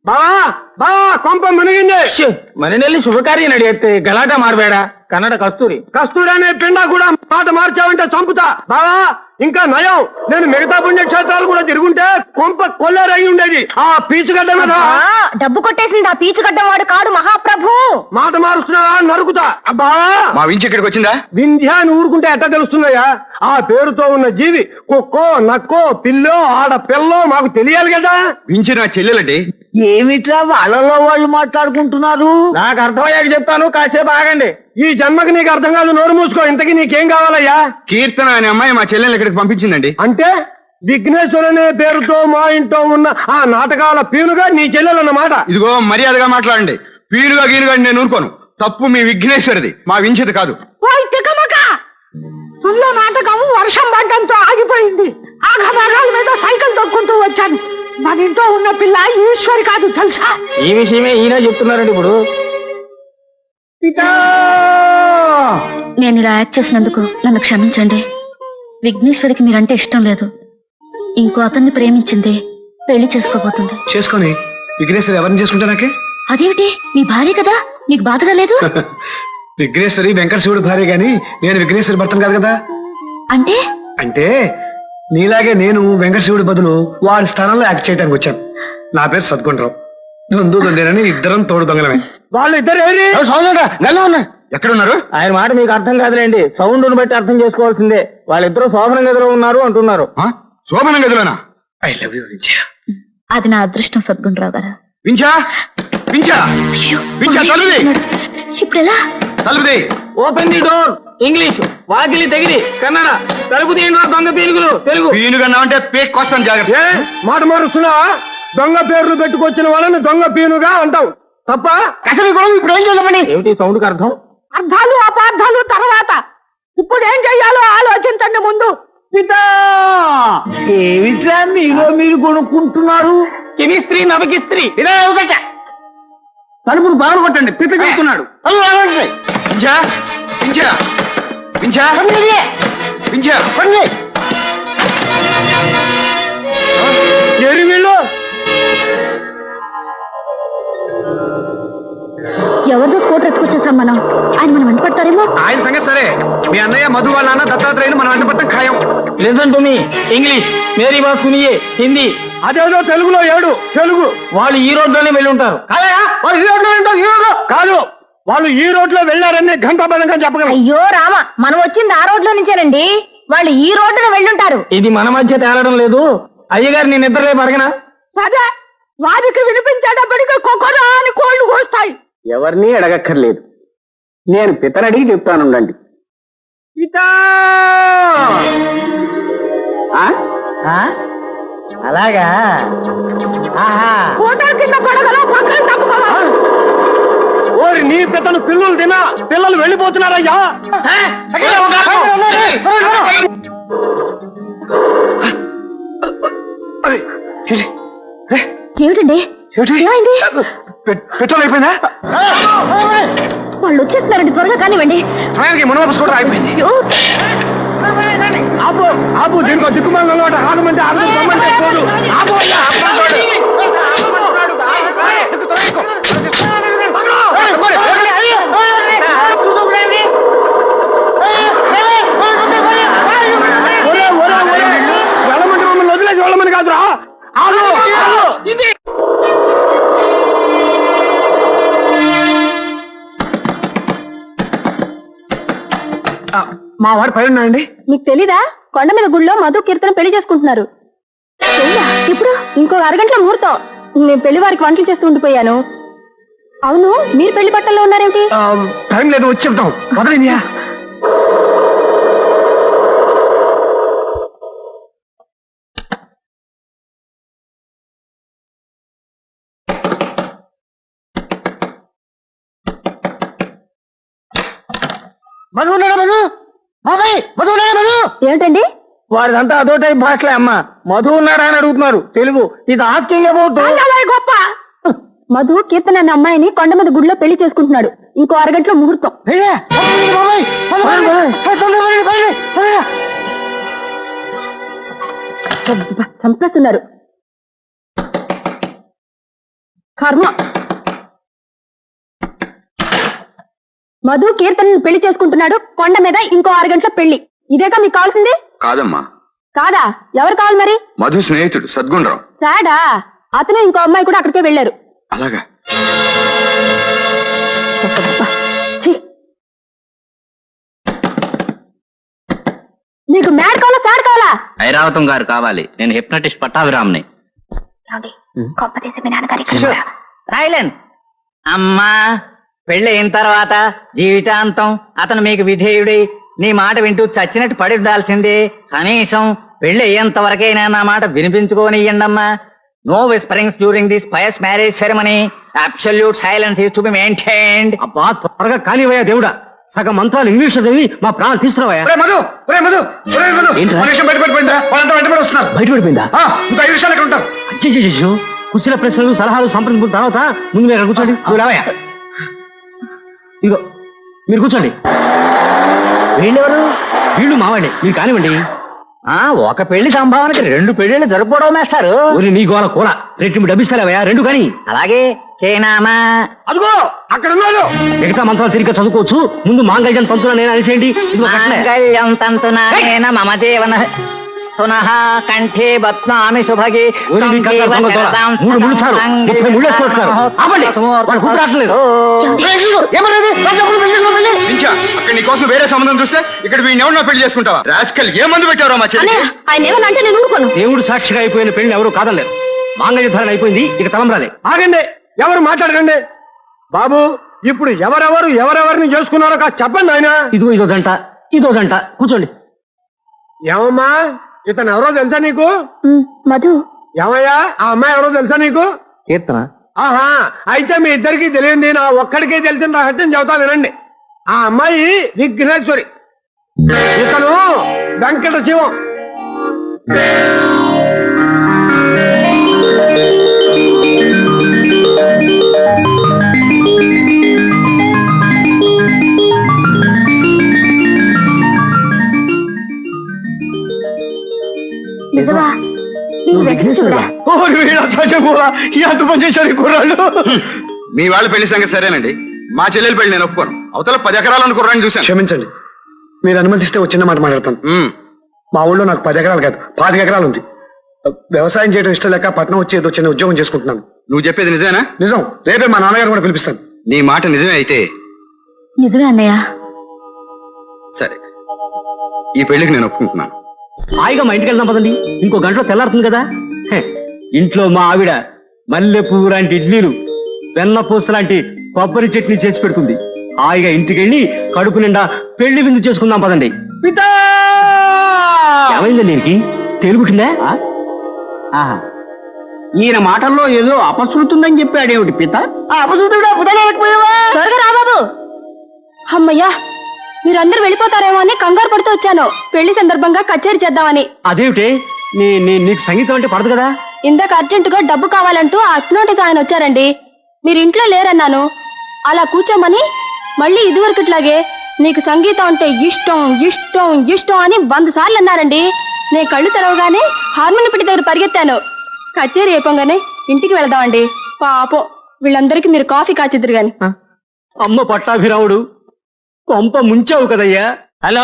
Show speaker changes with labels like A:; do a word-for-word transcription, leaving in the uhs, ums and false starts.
A: బావా బావా కొంప మునిగింది.
B: ಮನೆಯಲ್ಲಿ ಶುಭಕಾರ್ಯ ನಡೆಯುತ್ತೆ, ಗಲಾಟೆ ಮಾಡಬೇಡ. కన్నడ కస్తూరి
A: కస్తూరి అనే పిండా కూడా మాట మార్చావంటే చంపుతా. బావా ఇంకా నయం, నేను మిగతా పుణ్యక్షేత్రాలు కూడా తిరుగుంటే కొంప కొల్లేరయి ఉండేది. ఆ పీచుగడ్డ మీద
C: డబ్బు కొట్టేసింది ఆ పీచుగడ్డ వాడు కాడు మహాప్రభు.
A: మాట మారుస్తున్నావా నరుకుతా. అబ్బా
D: మా వించి ఇక్కడికి వచ్చిందా?
A: వింధ్యా అని ఊరుకుంటే ఎట్లా తెలుస్తున్నాయా? ఆ పేరుతో ఉన్న జీవి కుక్కో నక్కో పిల్లో ఆడ పిల్లో మాకు తెలియాలి కదా.
D: వించి నా చెల్లెలండి.
B: ఏమిట్రా వాళ్ళలో వాళ్ళు మాట్లాడుకుంటున్నారు? నాకు అర్థమయ్యాక చెప్తాను, కాసేపు ఆగండి.
A: ఈ జన్మకి నీకు అర్థం కాదు, నోరు మూసుకో. ఇంతకీ నీకేం కావాలయ్యా?
D: కీర్తన అనే అమ్మాయి మా చెల్లెల్ని ఇక్కడికి పంపించిందండి.
A: అంటే విఘ్నేశ్వరు అనే పేరుతో మా ఇంట్లో ఉన్న ఆ నాటకాల పీనుగా నీ చెల్లెలన్నమాట.
D: ఇదిగో మర్యాదగా మాట్లాడండి. పీరుగా గీరుగా నేను ఊరుకోను. తప్పు మీ విఘ్నేశ్వరిది, మా వించిది కాదు.
C: నాటకం వర్షం పడ్డంతో ఆగిపోయింది. ఆఘభాగాల మీద సైకిల్ తొక్కుంటూ వచ్చాను. మన ఇంట్లో ఉన్న పిల్ల ఈశ్వరి కాదు తెలుసా?
B: ఈ విషయమే ఈయన చెప్తున్నారండి ఇప్పుడు.
C: నేను ఇలా యాక్ట్ చేసినందుకు నన్ను క్షమించండి. విఘ్నేశ్వరికి మీరంటే ఇష్టం లేదు. ఇంకో అతన్ని ప్రేమించింది, పెళ్లి చేసుకోబోతుంది.
A: చేసుకొని విఘ్నేశ్వరి ఎవరిని చేసుకుంటా నాకే?
C: అదేమిటి, మీ భార్య కదా, మీకు బాధగా లేదు?
A: విఘ్నేశ్వరి వెంకట శివుడు భార్య గాని నేను విఘ్నేశ్వరి భర్తను కాదు కదా.
C: అంటే
A: అంటే నీలాగే నేను వెంకట శివుడి బదులు వాడి స్థానంలో యాక్ట్ చేయడానికి వచ్చాను. నా పేరు సద్గుండ్రావు. దొందు దొందేనని ఇద్దరం తోడు దొంగలమే. వాళ్ళు ఇద్దరు
D: ఎక్కడున్నారు?
B: ఆయన మాట మీకు అర్థం కాదులేండి, సౌండ్ బట్టి అర్థం చేసుకోవాల్సిందే. వాళ్ళిద్దరూ శోభన గదిలో ఉన్నారు అంటున్నారు.
D: శోభన గదిలోనా?
A: I love you Vindhya.
C: అది నా అదృష్టం సద్గుండ్రావు గారు.
D: వించా వించా వించా తలుది
C: ఇప్పుడు ఎలా?
D: తలుపుది.
B: Open the door. ఇంగ్లీష్. వాకిలి తెగిరి. కన్నడ. తలుపు తీయండి దొంగ పీనుగులు. తెలుగు.
D: పీనుగన్నా అంటే పేక్ కోసం జాగ్రత్త.
A: ఏ మాట మారుస్తున్నావా? దొంగ పేర్లు పెట్టుకొచ్చిన వాళ్ళని దొంగ పీనుగా అంటావు తప్ప.
B: అసలు ఇప్పుడు ఏం చేద్దామని? ఏమిటి సౌండ్ కి అర్థం?
C: అర్థాలు అపార్థాలు తర్వాత, ఇప్పుడు ఏం చెయ్యాలో ఆలోచించండి ముందు.
B: ఏమిట్రా మీలో మీరు కొనుక్కుంటున్నారు? కిమిస్త్రీ నవకిస్త్రీ. ఇలా ఒకట తలుపును బాగా కొట్టండి, పిప్పి చెప్తున్నాడు.
D: వించా వించా వించా వించా
A: ఎరి వీళ్ళు
C: ఎవరిదో స్కూటర్ ఎత్తుకొచ్చేసాం మనం. ఆయన మనం వెంట పడతారేమో.
A: ఆయన సంగతి సరే, మీ అన్నయ్య మధు వాళ్ళ నాన్న దత్తాత్రేయులు మనం వెంట పట్టడం ఖాయం.
B: Listen to me. ఇంగ్లీష్ మేరీ బాత్ సునియే. హిందీ.
A: అదేదో తెలుగులో ఏడు. తెలుగు.
B: వాళ్ళు ఈ రోడ్లోనే వెళ్ళి ఉంటారు.
A: వాళ్ళు ఈ రోడ్లో ఉంటారు. ఈ రోడ్లో కాదు, వాళ్ళు ఈ రోడ్లో వెళ్ళారని ఘంటాబద్ధంగా చెప్పగలరు.
C: అయ్యో రామ, మనం వచ్చింది ఆ రోడ్లో నుంచేనండి. వాళ్ళు ఈ రోడ్డున వెళ్ళుంటారు.
B: ఇది మన మధ్య తేలడం లేదు. అయ్యగారు నేను నిద్ర రేపు అడగనా?
C: సరే, వారికి వినిపించేటప్పటికి కొకరా అని కోళ్లు కోస్తాయి.
B: ఎవరిని అడగక్కర్లేదు, నేను పితనడిగి చెప్తానుండండి. అలాగా?
C: కోటా కింద పడగలో పక్కన తప్పుకోవాలి.
A: ఓరి నీ పితను పిల్లలు తినా పిల్లలు వెళ్ళిపోతున్నారయ్యా.
C: ఏమిటండి ఏమైంది?
A: పెట్రోల్ అయిపోయిందా?
C: వాళ్ళు వచ్చేస్తున్నారండి, త్వరగా కానివ్వండి.
A: సమయానికి మునవాపస్ కూడా అయిపోయింది. ఆపు ఆపు, దీనికో దిక్కుమాల ఆగమంటే ఆగమంటే పోదు. ఆపు అయ్యా, అమ్మంటాడు. వెళ్ళమంటే మమ్మల్ని వదిలేసి వెళ్ళమని కాదురా. ఆగు ఇది మా వాడు పై ఉన్నాయండి.
C: మీకు తెలీదా? కొండ మీద గుళ్ళో మధు కీర్తన పెళ్లి చేసుకుంటున్నారు. ఇప్పుడు ఇంకో అరగంటలో ముహూర్తం. నేను పెళ్లి వారికి వంటలు చేస్తూ ఉండిపోయాను. అవును, మీరు పెళ్లి బట్టల్లో ఉన్నారేమిటి?
A: టైం లేదు, వచ్చి చెప్తాం. వదలిందియా?
B: మధు ఉన్నాడా? మధు బాబాయ్, మధు ఉన్నాడా? మధు
C: ఏమిటండి?
B: వారిదంతా అదో టైప్ భాషలే అమ్మా. మధు ఉన్నాడా అని అడుగుతున్నారు. తెలుగు. ఇది ఆస్కింగ్ అబౌట్
C: గొప్ప. మధు కీర్తన అనే అమ్మాయిని కొండ మీద గుడిలో పెళ్లి చేసుకుంటున్నాడు. ఇంకో అరగంటలో ముహూర్తం. చంపేస్తున్నారు. కర్మ. మధు కీర్తన పెళ్లి చేసుకుంటున్నాడు, కొండ మీద ఇంకో ఆరు గంటల పెళ్లి. ఇదేగా మీకు కావాల్సింది?
D: కాదమ్మా,
C: కాదా? ఎవరు కావాలి మరి?
D: మధు స్నేహితుడు సద్గుణరావు.
C: సాడా? అతను ఇంకో అమ్మాయి కూడా అక్కడికే వెళ్ళారు.
D: అలాగా?
C: ఛీ! నీకు మ్యాడ్ కావాలా సాడ్ కావాలా?
B: ఐరావతం గారు కావాలి. నేను హిప్నటిస్ట్ పట్టాభిరామ్ని. సైలెన్స్. అమ్మా, పెళ్లి అయిన తర్వాత జీవితాంతం అతను మీకు విధేయుడై నీ మాట వింటూ చచ్చినట్టు పడి ఉండాల్సిందే. కనీసం పెళ్లి అయ్యేంత వరకైనా నా మాట వినిపించుకోనియ్యండమ్మా. No whisperings during this pious marriage ceremony. Absolute silence is to be maintained.
A: అబ్బా త్వరగా కానివయ్యా దేవుడా, సగం మంత్రాలు ఇంగ్లీష్ చదివి మా ప్రాణాలు తీసుకురావయ్యా.
D: మధు ఒరే మధు ఒరే మధు
A: ఏంట్రా?
D: ఒక నిమిషం బయట పడిపోయిందా? వాళ్ళంతా వెంటబడి వస్తున్నారు.
A: బయట పడిపోయిందా?
D: ఆ, ఇంకా ఐదు నిమిషాలు ఇక్కడ ఉంటారు.
A: అచ్చే కుశల ప్రశ్నలు సలహాలు సంప్రదింపుల తర్వాత ముందు మీరు కూర్చోండి. నువ్వు రావయ్యా. ఇదిగో మీరు కూర్చోండి.
B: వీళ్ళెవరు?
A: వీళ్ళు మావాడే, మీరు కానివ్వండి.
B: ఆ ఒక పెళ్లి సంభావనకి రెండు పెళ్లిళ్ళు జరుపుకోవడం మేస్టారు.
A: ఊరి నీ గోల కూల రెట్టింపు డబ్బిస్తారావయ్యా, రెండు కానీ.
B: అలాగే కేనామా.
A: అదిగో అక్కడ ఉన్నాడు. మిగతా మంత్రాలు తిరిగి చదువుకోవచ్చు, ముందు మాంగళ్యం పంతులు నేను అనేసేయండి. ఇదిగో కట్టలే.
B: మాంగళ్యం తంతునా మమ జీవన పునః కంఠే బత్నామి శుభగే.
A: ఊరి మీ కంగారు దొంగ దొర. మూడు ముళ్ళు చాలు, ముప్పై ముళ్ళు వేసుకుంటున్నారు. ఆపండి, వాడు కూతురు రావట్లేదు.
D: పించా, అక్కడ నీ కోసం వేరే సంబంధం చూస్తే ఇక్కడ వీడిని ఎవరినో పెళ్లి చేసుకుంటావా? రాస్కల్, ఏ మందు పెట్టారో మా చెల్లి?
C: అన్నయ్య, ఆయన ఏమన్నా అంటే నేను ఊరుకోను.
A: దేవుడు సాక్షిగా అయిపోయిన పెళ్లి ఎవరు కాదలేరు. మాంగళ్య ధారణ అయిపోయింది, ఇక తలంబ్రాలే. ఆగండి, ఎవరు మాట్లాడకండి. బాబు, ఇప్పుడు ఎవరెవరు ఎవరెవరిని చేసుకున్నారో కాస్త చెప్పండి ఆయన. ఇదిగో ఇదో గంట, ఇదో గంట. కూర్చోండి. ఏమమ్మా, ఇతను ఎవరో తెలుసా నీకు?
C: ఉమ్, మధు.
A: ఏమయ్యా, ఆ అమ్మాయి ఎవరో తెలుసా నీకు?
B: కీర్తన.
A: ఆహా, అయితే మీ ఇద్దరికి తెలియంది నా ఒక్కడికే తెలిసిన రహస్యం చెబుతా వినండి. ఆ అమ్మాయి విఘ్నేశ్వరి, ఇతను వెంకట శివం.
C: నిజమా? నీకు వెంకటేశ్వరుడా?
A: ఎంత పని చేశారు ఈ కుర్రాళ్ళు.
D: మీ వాళ్ళ పెళ్లి సంగతి సరేనండి, మా చెల్లెలు పెళ్లి నేను ఒప్పుకోను. అవతల పది ఎకరాలను కుర్రాన్ని చూశాను.
A: క్షమించండి, మీరు అనుమతిస్తే ఒక చిన్న మాట మాట్లాడతాను.
D: ఉమ్,
A: మా ఊళ్ళో నాకు పది ఎకరాలు కాదు పాతిక ఎకరాలు ఉంది. వ్యవసాయం చేయడం ఇష్టం లేక పట్నం వచ్చి ఏదో చిన్న ఉద్యోగం చేసుకుంటున్నాను.
D: నువ్వు చెప్పేది నిజమేనా?
A: నిజం. రేపే మా నాన్నగారు కూడా పిలిపిస్తాను.
D: నీ మాట నిజమే అయితే
C: నిజమే అన్నయ్య.
D: సరే, ఈ పెళ్లికి నేను ఒప్పుకుంటున్నాను.
A: హాయిగా మా ఇంటికి వెళ్దాం పదండి, ఇంకో గంటలో తెల్లారుతుంది కదా. హె, ఇంట్లో మా ఆవిడ మల్లె పువ్వు లాంటి ఇడ్లీలు, వెన్నపూస లాంటి కొబ్బరి చట్నీ చేసి పెడుతుంది. హాయిగా ఇంటికి వెళ్ళి కడుపు నిండా పెళ్లి విందు చేసుకుందాం పదండి. పితా, ఏమైంది దీనికి? తేలుగుట్టిందా?
B: ఆహా, ఈయన మాటల్లో ఏదో అపశృతుందని చెప్పాడేమిటి పిత?
C: త్వరగా రా బాబు. అమ్మయ్యా, మీరందరూ వెళ్ళిపోతారేమో అని కంగారు పడుతూ వచ్చాను. పెళ్లి సందర్భంగా కచేరీ చేద్దామని.
A: అదేమిటి, నీ నీ- నీకు సంగీతం అంటే పడదు కదా?
C: ఇందాక అర్జెంటుగా డబ్బు కావాలంటూ ఆ అక్నోటికి ఆయన వచ్చారండి. మీరు ఇంట్లో లేరన్నాను, అలా కూర్చోమని మళ్ళీ ఇదివరకట్లాగే నీకు సంగీతం అంటే ఇష్టం ఇష్టం ఇష్టం అని వంద సార్లు అన్నారండి. నేను కళ్ళు తెరవగానే హార్మోని పెట్టి దగ్గర పరిగెత్తాను. కచేరీ అయిపోగానే ఇంటికి వెళదామండి. పాపం వీళ్ళందరికీ మీరు కాఫీ కాచిద్దరు గాని.
A: అమ్మ పట్టాభిరాముడు, కొంప ముంచావు కదయ్యా.
B: హలో,